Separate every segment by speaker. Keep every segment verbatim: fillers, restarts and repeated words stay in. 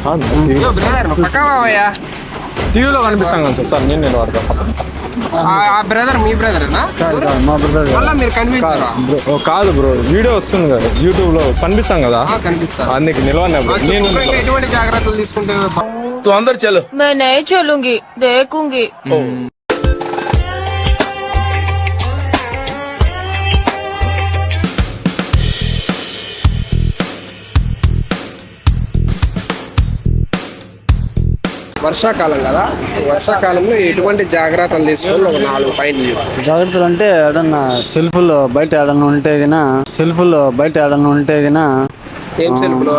Speaker 1: టీవీలో కనిపిస్తాను కదా సార్ నేను నేను వాడతాను.
Speaker 2: బ్రదర్ మీ బ్రదర్
Speaker 3: మా బ్రదర్
Speaker 2: మీరు కనిపించారా?
Speaker 1: కాదు బ్రో, వీడియో వస్తుంది కదా యూట్యూబ్ లో కనిపిస్తాం కదా,
Speaker 2: కనిపిస్తా
Speaker 1: అందుకు నిలవన్నా నేను
Speaker 2: ఎటువంటి జాగ్రత్తలు తీసుకుంటే
Speaker 4: అందరు చలో
Speaker 5: मैं नहीं चलूंगी देखूंगी.
Speaker 2: వర్షాకాలం కదా, వర్షాకాలంలో ఎటువంటి జాగ్రత్తలు తీసుకొని ఒక నాలుగు పాయింట్లు.
Speaker 3: జాగ్రత్తలు అంటే ఏడన్నా సెల్ఫ్లో బయట ఏడన్నా ఉంటే గినా సెల్ఫ్లో బయట ఏడన్నా ఉంటే గినా
Speaker 2: ఏం సెల్ఫ్లో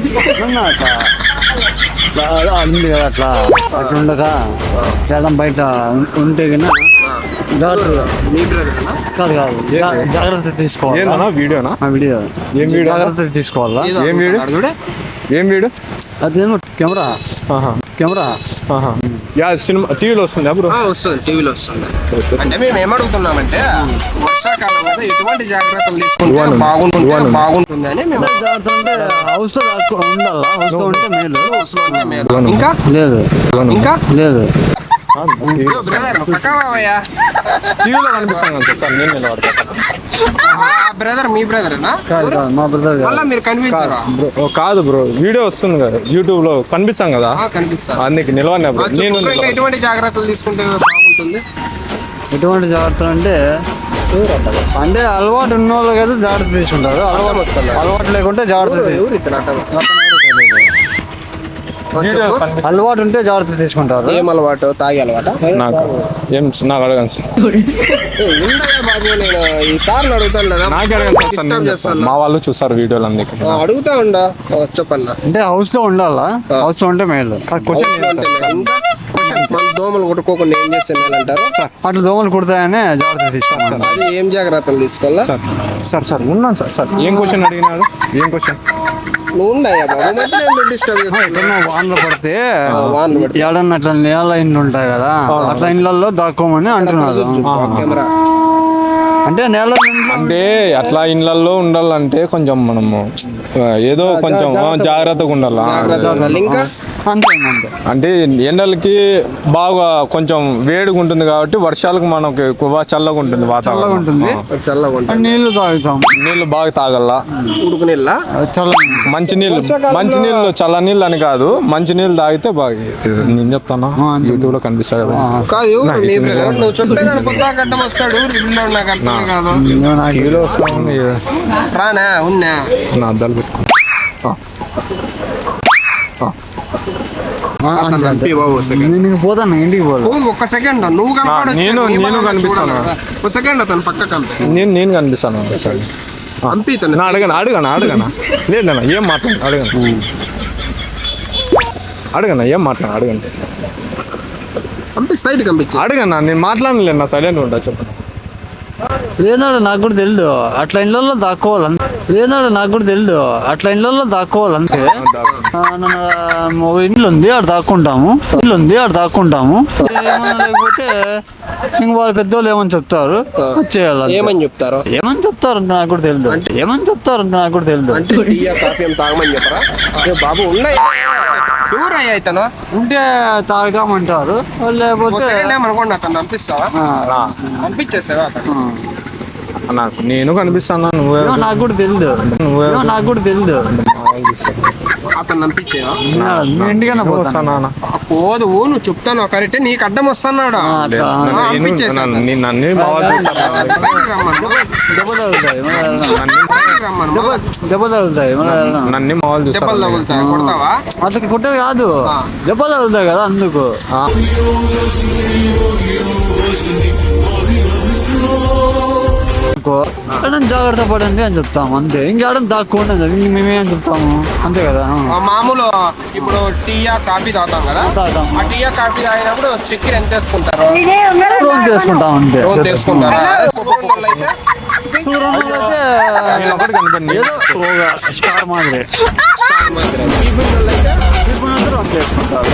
Speaker 3: అట్లా ఉంది కదా, అట్లా అట్లా ఉండగా ఏడన్నా బయట ఉంటే గినా జాగ్రత్త.
Speaker 2: మీ బ్రదర్
Speaker 3: కాదు కాదు జా- జాగ్రత్త తీసుకోవాలి.
Speaker 1: వీడియోనా
Speaker 3: ఆ వీడియో
Speaker 1: ఏం వీడియో?
Speaker 3: జాగ్రత్త తీసుకోవాలా.
Speaker 1: ఏం వీడియో?
Speaker 2: చూడే
Speaker 1: ఏం వీడియో?
Speaker 3: అదేమో కెమెరా కెమెరా
Speaker 1: యా సినిమా టీవీలో వస్తుంది అప్పుడు
Speaker 2: వస్తుంది, టీవీలో వస్తుంది. అంటే మేము ఏమడుగుతున్నామంటే వర్షాకాలం కదా ఎటువంటి జాగ్రత్తలు తీసుకుంటే బాగుంటుంది బాగుంటుంది అని మేము.
Speaker 3: జాగ్రత్త అంటే హౌస్ లో ఉండాలా, హౌస్ లో ఉంటే మేలు.
Speaker 2: హౌస్ లో ఉంటే మేలు. ఇంకా
Speaker 3: లేదు
Speaker 2: ఇంకా
Speaker 3: లేదు
Speaker 2: బ్రదర్ పక్కవయ్యా
Speaker 1: టీవీలో కనిపిస్తాను కదా సార్ నేను నేను వాడతాను.
Speaker 2: బ్రదర్ మీ బ్రదర్
Speaker 3: కాదు కాదు మా బ్రదర్
Speaker 2: మళ్ళీ మీరు కనిపించారా?
Speaker 1: కాదు బ్రో, వీడియో వస్తుంది కదా యూట్యూబ్ లో కనిపిస్తాం కదా,
Speaker 2: కనిపిస్తారు.
Speaker 1: అందుకు నిలవన్నా నేను
Speaker 2: ఎటువంటి జాగ్రత్తలు తీసుకుంటే బాగుంటుంది?
Speaker 3: ఎటువంటి జాగ్రత్తలు అంటే అంటే అలవాటు ఉన్న వాళ్ళకి అయితే జాగ్రత్త తీసుకుంటారు. అలవాటు వస్తారు, అలవాటు లేకుంటే జాగ్రత్త తీ-
Speaker 2: ఎవరు ఇతను
Speaker 3: అలవాటు ఉంటే జాగ్రత్త తీసుకుంటారు.
Speaker 2: ఏం అలవాటు? తాగే అలవాట?
Speaker 1: నాకు ఏం నాకు అడగను సార్,
Speaker 2: ఉండగా బాబు నేను ఈ సార్లు అడుగుతాను కదా,
Speaker 1: నాకు అడగను సార్,
Speaker 2: డిస్టర్బ్
Speaker 1: నేను
Speaker 2: చేస్తాను.
Speaker 1: చెప్తాను. మా వాళ్ళు చూసారు వీడియోలు అందుకే
Speaker 2: అడుగుతా ఉండా చెప్పన్నా.
Speaker 3: అంటే హౌస్ లో ఉండాలా, హౌస్ లో ఉంటే మేలు.
Speaker 1: క్వశ్చన్
Speaker 2: ఇంకా మన దోమలు కొట్టుకోకుండా ఏం చేస్తే మేలు అంటారు?
Speaker 3: అట్లా దోమలు కుడతాయనే జాగ్రత్త తీసుకోవాలి.
Speaker 2: అది ఏం జాగ్రత్తలు తీసుకోవాలా?
Speaker 1: సార్ సార్ సార్ ఉన్నాను సార్ సార్ ఏం క్వశ్చన్ అడిగినారు? ఏం క్వశ్చన్?
Speaker 2: నువ్వు ఉండయా బాబు, మధ్య డిస్టర్బ్ చేస్తాను.
Speaker 3: ఎక్కడన్నా వానలు పడితే
Speaker 2: వానలు పడితే.
Speaker 3: ఏడన్నా అట్లా నేల ఇండ్లు ఉంటాయి కదా, అట్లా ఇండ్లలో దాక్కోమని అంటున్నారు.
Speaker 2: కెమెరా
Speaker 3: అంటే నేల
Speaker 1: అంటే అట్లా ఇళ్ళల్లో ఉండాలంటే కొంచెం మనము ఏదో కొంచెం జాగ్రత్తగా ఉండాలా.
Speaker 2: జాగ్రత్తలు ఇంకా
Speaker 3: అంతే అంతే
Speaker 1: అంటే ఎండలకి బాగా కొంచెం వేడిగా ఉంటుంది కాబట్టి వర్షాలకు మనకి ఎక్కువ చల్లగా ఉంటుంది వాతావరణం
Speaker 3: ఉంటుంది.
Speaker 2: చల్లగా ఉంటుంది.
Speaker 3: నీళ్లు తాగుతాం,
Speaker 1: నీళ్ళు బాగా తాగల్లా.
Speaker 2: ఉడుకు నీళ్ళ
Speaker 3: చల్ల
Speaker 1: మంచి నీళ్ళు మంచి నీళ్ళు చల్ల నీళ్ళు అని కాదు, మంచి నీళ్ళు తాగితే బాగా. నేను చెప్తాను యూట్యూబ్ లో కనిపిస్తా కదా.
Speaker 2: కాదు నీ బ్రదర్, నువ్వు చెప్తే కానీ పొద్దు కట్టం వస్తాడు, రివ్యూలో నాకు అర్థం కాదు.
Speaker 1: టీవీలో వస్తాను
Speaker 2: రానా ఉన్నా
Speaker 1: నా అద్దాలు పెట్టుకో.
Speaker 2: బాబు సెకండ్
Speaker 3: నేను పోతాను ఇంటికి పోను.
Speaker 2: ఒక్క సెకండ్ నువ్వు కనపడొచ్చు,
Speaker 1: నేను
Speaker 2: నీ
Speaker 1: నేను
Speaker 2: బాగా
Speaker 1: కనిపిస్తాను
Speaker 2: చూడాలి కదా. ఒక సెకండ్ అతను పక్క కంపే
Speaker 1: నేను నేను కనిపిస్తాను సార్.
Speaker 2: పంపి ఇతను
Speaker 1: నా అడగనా అడగనా అడగనా లేదన్నా ఏం మాట్లాడు అడగను అడగనా ఏం మాట్లాడు అడగండి
Speaker 2: పంపి సైడ్ కంపించి
Speaker 1: అడగన్నా నేను మాట్లాడలేదు నా సైలెంట్ ఉంటా చెప్పండి.
Speaker 3: ఏనాడు నాకు కూడా తెలియదు, అట్లా ఇళ్ళల్లో దాక్కోవాలి. ఏనాడు నాకు కూడా తెలియదు, అట్లా ఇళ్ళల్లో దాక్కోవాలి. అంతే ఒక ఇంట్లో ఉంది ఆడ దాక్కుంటాము, ఇల్లు ఉంది ఆడ దాక్కుంటాము. ఏమన్నా లేకపోతే ఇంక వాళ్ళ పెద్దోళ్ళు ఏమని చెప్తారు చేయాలి.
Speaker 2: ఏమని చెప్తారు?
Speaker 3: ఏమని చెప్తారు అంటే నాకు కూడా తెలియదు, ఏమని చెప్తారు అంటే నాకు కూడా తెలియదు.
Speaker 2: అంటే టీ కాఫీ ఏం తాగమని చెప్పరా? బాబు ఉన్నాయి ఎవరయ్యా ఇతను?
Speaker 3: ఉంటే తాగుతామంటారు, లేకపోతే
Speaker 2: ఏమనుకోండి అతను పంపిస్తావా? పంపించేసావా అతను?
Speaker 1: నాకు నేను కనిపిస్తాను నువ్వే
Speaker 3: ఏమో నాకు కూడా తెలియదు,
Speaker 1: నువ్వే
Speaker 3: ఏమో నాకు కూడా తెలియదు.
Speaker 2: అతను పంపించేవా?
Speaker 3: మీ ఇంటికైనా పోతాను.
Speaker 1: వస్తానా
Speaker 2: పోదు నువ్వు చెప్తాను కరెక్ట్, నీకు అడ్డం వస్తున్నాడు.
Speaker 1: నన్ను బాగా చూసాను.
Speaker 3: దెబ్బ తగులుతాయి దెబ్బ తగులుతాయి
Speaker 1: నన్ను మామూలు
Speaker 2: దెబ్బలు
Speaker 1: చూసాను.
Speaker 2: తగులుతాయి, కొడతావా?
Speaker 3: అట్లా కొట్టేది కాదు, దెబ్బ తగులుతాయి కదా అందుకు. జాగ్రత్త పడండి అని చెప్తాము అంతే, ఇంకేడం దాక్కోండి అని చెప్పి మేమేం చెప్తాము అంతే కదా.
Speaker 2: మామూలు ఇప్పుడు టీయా కాఫీ తాగుతాం కదా,
Speaker 3: తాగుతాం.
Speaker 2: ఆ టీయా కాఫీ తాగినప్పుడు చక్కెర ఎంత వేసుకుంటారు?
Speaker 3: రోజు తీసుకుంటాం అంతే.
Speaker 2: రోజు తీసుకుంటారా?
Speaker 3: షుగర్ ఉన్న వాళ్ళైతే ఏదో ఒక స్టార్ మాదిరి అందరూ అంత వేసుకుంటారు.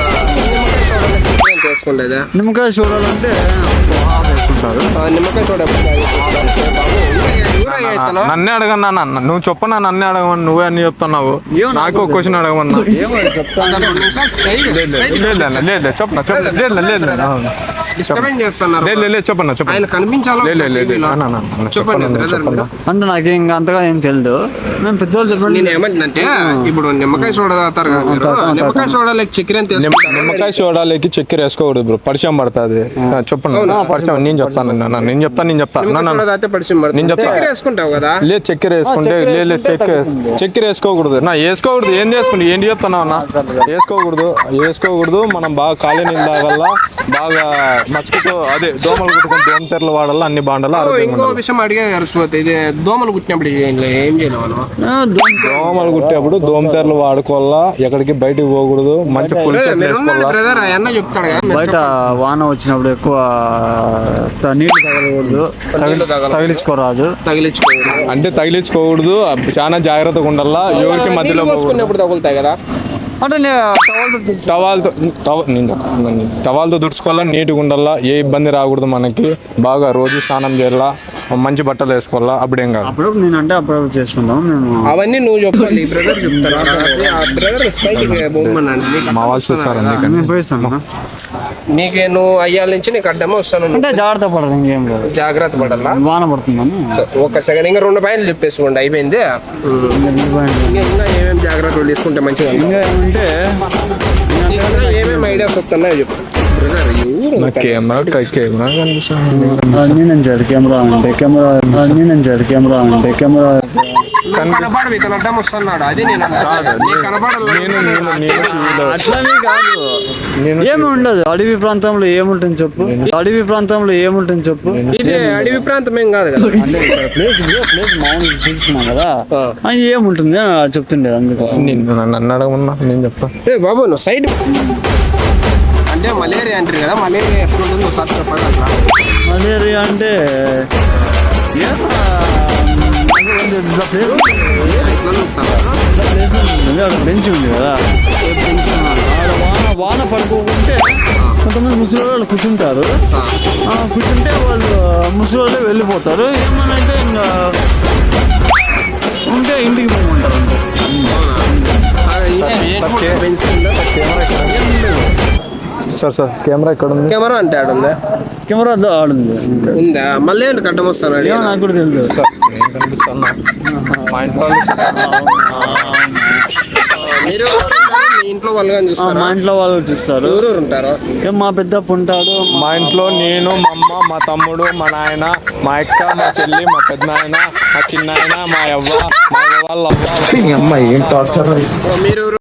Speaker 2: వేసుకోలేదా?
Speaker 3: నిమ్మకాయ చూడాలంటే వేసుకుంటారు.
Speaker 2: నిమ్మకాయ చూడ ఊరయ్య ఇతను.
Speaker 1: నన్నే అడగన్నా నాన్న నువ్వు చెప్పనా నన్నే అడగమని నువ్వే అన్ని చెప్తున్నావు
Speaker 3: ఏమో నాకు
Speaker 1: నాకు ఒక క్వశ్చన్ అడగమన్నా
Speaker 3: ఏమో చెప్తాను
Speaker 2: రెండు నిమిషాలు side- side
Speaker 1: లేదు లేదు లేదు చెప్పనా చెప్ప లేదు లేదు లేదు
Speaker 2: disturbance చేస్తున్నారు.
Speaker 1: లేదు లేదు చెప్పన్నా
Speaker 2: ఆయన
Speaker 1: చెప్పండి
Speaker 2: కనిపించాలో
Speaker 1: లేదు లేదు లేదు
Speaker 2: టీవీలో.
Speaker 1: అన్న, అన్న, అన్న,
Speaker 2: చెప్పండి
Speaker 1: చెప్పన్నా,
Speaker 2: బ్రదర్
Speaker 1: చెప్పన్నా.
Speaker 3: అంటే నాకు ఇంకా అంతగా ఏం తెలియదు మేము పెద్దవాళ్ళు చెప్పండి
Speaker 2: నేను ఏమంటే ఇప్పుడు నిమ్మకాయ సోడా తాగుతారు కదా మీరు.
Speaker 3: తాగుతాం,
Speaker 2: నిమ్మకాయ సోడా లైక్ చక్కెర అని
Speaker 1: నిమ్మ-
Speaker 2: తెలుసుకుంటారు.
Speaker 1: నిమ్మకాయ సోడాలకి చక్కెర వేసుకోకూడదు బ్రో పరిచయం పడుతుంది చెప్పండి పరిచయం నేను చెప్తాను నాన్న, నేను చెప్తాను నేను చెప్తాను
Speaker 2: నిమ్మకాయ
Speaker 1: నాన్న,
Speaker 2: సోడా తాగితే పరిచయం పడుతుంది.
Speaker 1: నేను చెప్తా.
Speaker 2: చక్కెర వేసుకుంటావు కదా.
Speaker 1: లేదు చక్కెర వేసుకుంటే
Speaker 3: చక్కెర
Speaker 1: లేదు లేదు చక్కెర వేసు- చక్కెర వేసుకోకూడదు నా వేసుకోకూడదు ఏం చేసుకుంటే ఏంటి చెప్తున్నావు అన్న వేసుకోకూడదు వేసుకోకూడదు మనం బాగా ఖాళీ నీళ్ళు తాగల్ల బాగా మస్కిటో అదే దోమలు కుట్టుకుని దోమ తెరలు వాడాలి అన్ని బాండాలి
Speaker 2: ఓ,
Speaker 1: ఆరోగ్యంగా
Speaker 2: ఇంకో
Speaker 1: ఉండాలి.
Speaker 2: విషయం అడిగే అరుసుకోతే ఇది దోమలు కుట్టినప్పుడు ఏం లే- ఏం చేయలేము మనం.
Speaker 1: దోమలు కుట్టేప్పుడు దోమ తెరలు వాడుకోవాలా ఎక్కడికి బయటికి పోకూడదు మంచి ఫుల్ చెట్లు
Speaker 2: మీరు
Speaker 1: వేసుకోవాలా
Speaker 2: బ్రదర్ అన్న చెప్తాడు కదా మీరు
Speaker 3: బయట వాన వచ్చినప్పుడు ఎక్కువ త- నీళ్లు తగలకూడదు
Speaker 2: నీళ్లు తగలకూడదు.
Speaker 3: తగిలించుకోరాదు
Speaker 2: తగిలించుకోవాలి.
Speaker 1: అంటే తగిలించుకోకూడదు చాలా జాగ్రత్తగా ఉండాలా ఎవరికి మధ్యలో పోకూడదు
Speaker 2: పోసుకున్నప్పుడు తగులుతాయి కదా.
Speaker 3: అంటే నే- టవల్తో తుడుచు-
Speaker 1: టవాల్తో టవ నేను చెప్తాను. టవాల్తో తుడుచుకోవాలా నీట్గా ఉండాలా ఏ ఇబ్బంది రాకూడదు మనకి బాగా రోజు స్నానం చేయాలా మంచి బట్టలు వేసుకోవాలా అప్పుడేం కాదు
Speaker 3: అప్పుడప్పుడు నేను అంటే అప్పుడప్పుడు చేసుకుంటాం మేము
Speaker 2: అవన్నీ నువ్వు చెప్పాలి బ్రదర్ చెప్తారు. ఆ బ్రదర్ సైడ్ బొమ్మనండి
Speaker 1: మా వాళ్ళు చూస్తారు అందుకని
Speaker 3: నేను పోయిస్తాను అన్న.
Speaker 2: నీకే నువ్వు అయ్యాల నుంచి నీకు అడ్డమే వస్తాను.
Speaker 3: అంటే జాగ్రత్త పడదు ఇంకేం లేదు
Speaker 2: జాగ్రత్త పడాలా.
Speaker 3: వాన పడుతుందని
Speaker 2: ఒక సెకండ్ ఇంకా రెండు పాయింట్లు చెప్పేసుకోండి అయిపోయింది. ఇంకా ఇంకా ఏమేమి జాగ్రత్తలు తీసుకుంటే మంచిగా ఉంటుంది.
Speaker 3: ఇంకా ఏమంటే
Speaker 2: నీకు ఇంకా ఏమేమి ఐడియాస్ వస్తున్నాయో చెప్పు బ్రదర్.
Speaker 1: నా కెమెరా కెమెరా కనిపిస్తుంది
Speaker 3: అన్నీ నేను చేయాలి కెమెరా అంటే కెమెరా అన్నీ నేను చేయాలి కెమెరా అంటే కెమెరా
Speaker 2: కనపడవు ఇతను అడ్డం వస్తున్నాడు. అది నేను అన్నా. నీకు కనపడాలి.
Speaker 1: నేను నేను నేను
Speaker 3: అట్లనే కాదు
Speaker 1: నేను
Speaker 3: ఏమి ఉండదు అడవి ప్రాంతంలో ఏముంటుంది చెప్పు అడవి ప్రాంతంలో ఏముంటుంది చెప్పు
Speaker 2: ఇది అడవి ప్రాంతం ఏం కాదు కదా.
Speaker 3: అంటే ఇక్కడ ప్లేస్ ఉంది ప్లేస్ మామూలుగా చూపిస్తున్నాం కదా అది ఏముంటుంది అని చెప్తుండేది అందుకు
Speaker 1: నేను నన్ను అడగమన్నా నేను చెప్తా
Speaker 2: ఏ బాబు నువ్వు సైడ్ అంటే మలేరియా అంటారు కదా. మలేరియా ఎప్పుడు ఉంటుందో ఒకసారి చెప్పండి అట్లా.
Speaker 3: మలేరియా అంటే ఏ- అంటే ఇట్లా ప్లేస్
Speaker 2: ఇట్లా చెప్తాను.
Speaker 3: ప్లేస్ ఉంటుంది అక్కడ బెంచ్ ఉంది కదా ఆడ వాన వాన పడుకోకుంటే కొంతమంది ముసలి వాళ్ళు కూర్చుంటారు ఆ, కూర్చుంటే వాళ్ళు ముసలి వాళ్ళే వెళ్ళిపోతారు ఏమన్నా అయితే ఇంకా ఉంటే ఇంటికి పోమంటారు అంతే.
Speaker 1: సార్ సార్ కెమెరా ఎక్కడ ఉంది
Speaker 2: కెమెరా అంటే ఆడుందా
Speaker 3: కెమెరా దో ఆడుంది
Speaker 2: ఉందా మళ్ళీ ఏంటి కట్టం వస్తాను
Speaker 3: ఏమో నాకు కూడా తెలియదు
Speaker 1: సార్ నేను కనిపిస్తాను మా ఇంట్లో వాళ్ళు
Speaker 2: మీరు మీ ఇంట్లో వాళ్ళు కానీ
Speaker 3: ఆ,
Speaker 2: చూస్తారా?
Speaker 3: మా ఇంట్లో వాళ్ళు చూస్తారు
Speaker 2: ఎవరెవరు ఉంటారు?
Speaker 3: ఏం మా పెద్దప్ప ఉంటాడు
Speaker 1: మా ఇంట్లో నేను మా అమ్మ మా తమ్ముడు మా నాయన మా అక్క మా చెల్లి మా పెద్దనాయన మా చిన్నాయన మా అవ్వ మా అవ్వ వాళ్ళ అవ్వ
Speaker 2: మీరు